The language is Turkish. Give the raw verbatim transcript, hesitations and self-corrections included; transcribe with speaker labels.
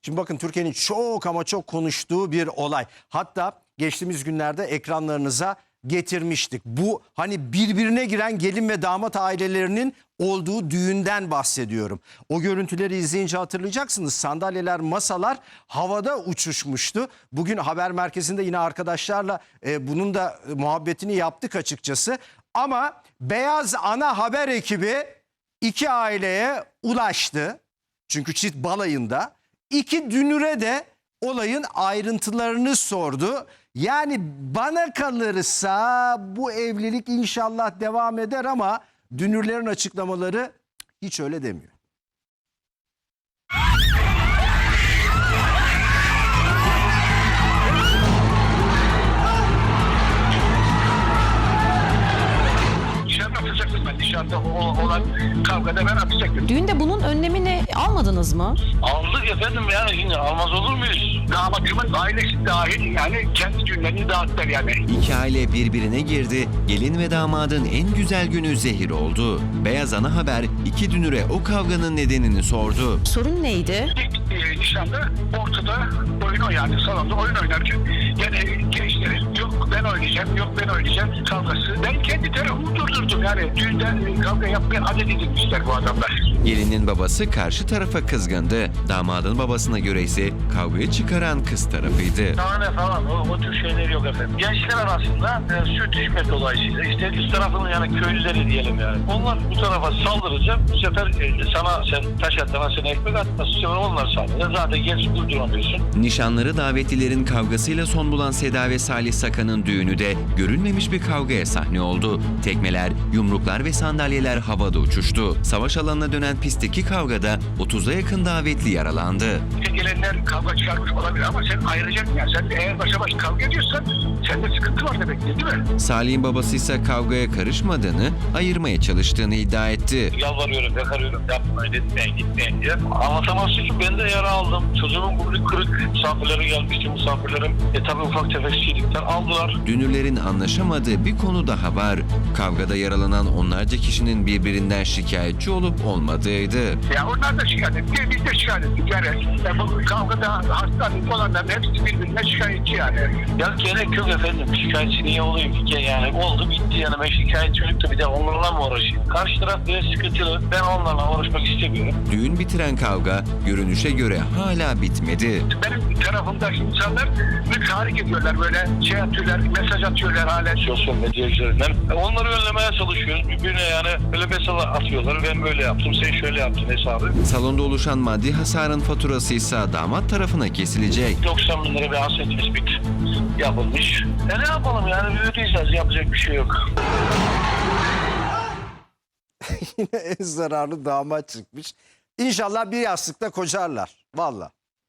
Speaker 1: Şimdi bakın, Türkiye'nin çok ama çok konuştuğu bir olay. Hatta geçtiğimiz günlerde ekranlarınıza getirmiştik. Bu hani birbirine giren gelin ve damat ailelerinin olduğu düğünden bahsediyorum. O görüntüleri izleyince hatırlayacaksınız. Sandalyeler, masalar havada uçuşmuştu. Bugün haber merkezinde yine arkadaşlarla e, bunun da muhabbetini yaptık açıkçası. Ama Beyaz Ana haber ekibi iki aileye ulaştı. Çünkü çift balayında. İki dünüre de olayın ayrıntılarını sordu. Yani bana kalırsa bu evlilik inşallah devam eder ama dünürlerin açıklamaları hiç öyle demiyor.
Speaker 2: Atacaktım ben dışarıda olan kavgada ben atacaktım.
Speaker 3: Düğünde bunun önlemini almadınız mı?
Speaker 2: Aldık efendim, yani şimdi almaz olur muyuz? Damatımın ailesi dahil yani kendi düğünlerini dağıttılar yani.
Speaker 4: İki aile birbirine girdi. Gelin ve damadın en güzel günü zehir oldu. Beyaz Ana Haber iki dünüre o kavganın nedenini sordu.
Speaker 3: Sorun neydi?
Speaker 2: İlk e, nişanda ortada oyun o yani salonda oyun oynarken yani gençlerin yok ben oynayacağım yok ben oynayacağım kavgası. Ben kendi tarafımı durdurdum yani düğünden kavga yapmaya adet edilmişler bu adamlar.
Speaker 4: Gelinin babası karşı tarafa kızgındı. Damadın babasına göre ise kavgayı çıkaran kız tarafıydı.
Speaker 2: Tane falan o, o tür şeyler yok efendim. Gençler arasında e, sürtüşme dolayısıyla işte üst tarafının yani köylüleri diyelim yani. Onlar bu tarafa saldırınca bu sefer e, sana sen taş atana sen ekmek atması bu sefer onlar saldırıyor. Zaten genç durduramıyorsun.
Speaker 4: Nişanları davetlilerin kavgasıyla son bulan Seda ve Salih Sakan'ın düğünü de görülmemiş bir kavgaya sahne oldu. Tekmeler, yumruklar ve sandalyeler havada uçuştu. Savaş alanına dönen pistteki kavgada otuza yakın davetli yaralandı.
Speaker 2: İşte gelenler kavga çıkarmış olabilir ama sen ayıracaksın yani. Sen de eğer başa baş kavga ediyorsan sende sıkıntı var demek değil mi?
Speaker 4: Salih'in babası ise kavgaya karışmadığını, ayırmaya çalıştığını iddia etti.
Speaker 2: Yalvarıyorum, yakarıyorum, yapmayın, etmeyin, gitmeyin diye. Anlatamazsın ki ben de yara aldım. Çocuğumun burnu kırık, misafirlerim gelmişti, misafirlerim. E tabi ufak tefek şeylikler aldılar.
Speaker 4: Dünürlerin anlaşamadığı bir konu daha var. Kavgada yaralanan onlarca kişinin birbirinden şikayetçi olup olmadığıydı.
Speaker 2: Ya onlar da şikayet etti, biz de şikayet ettik yani. yani bu kavgada hastalık olanların hepsi birbirine şikayetçi yani. Ya gerek yok efendim, şikayetçi niye olayım ki yani? Oldu bitti yani, ben şikayetçi olup da bir de onlarla mı uğraşayım? Karşı taraf biraz sıkıntılı, ben onlarla uğraşmak istemiyorum.
Speaker 4: Düğün bitiren kavga görünüşe göre hala bitmedi.
Speaker 2: Benim tarafımdaki insanlar bir tahrik ediyorlar, böyle şey atıyorlar, mesaj atıyorlar hala sosyal medya üzerinden. Onları önlemeye çalışıyoruz. Birbirine yani böyle mesaj atıyorlar. Ben böyle yaptım, sen şöyle yaptın hesabı.
Speaker 4: Salonda oluşan maddi hasarın faturası ise damat tarafına kesilecek.
Speaker 2: doksan bin lira bir hasret tespit yapılmış. E ne yapalım yani, ödeyeceğiz, yapacak bir şey yok.
Speaker 1: Yine en zararlı damat çıkmış. İnşallah bir yastıkta kocarlar. Vallahi.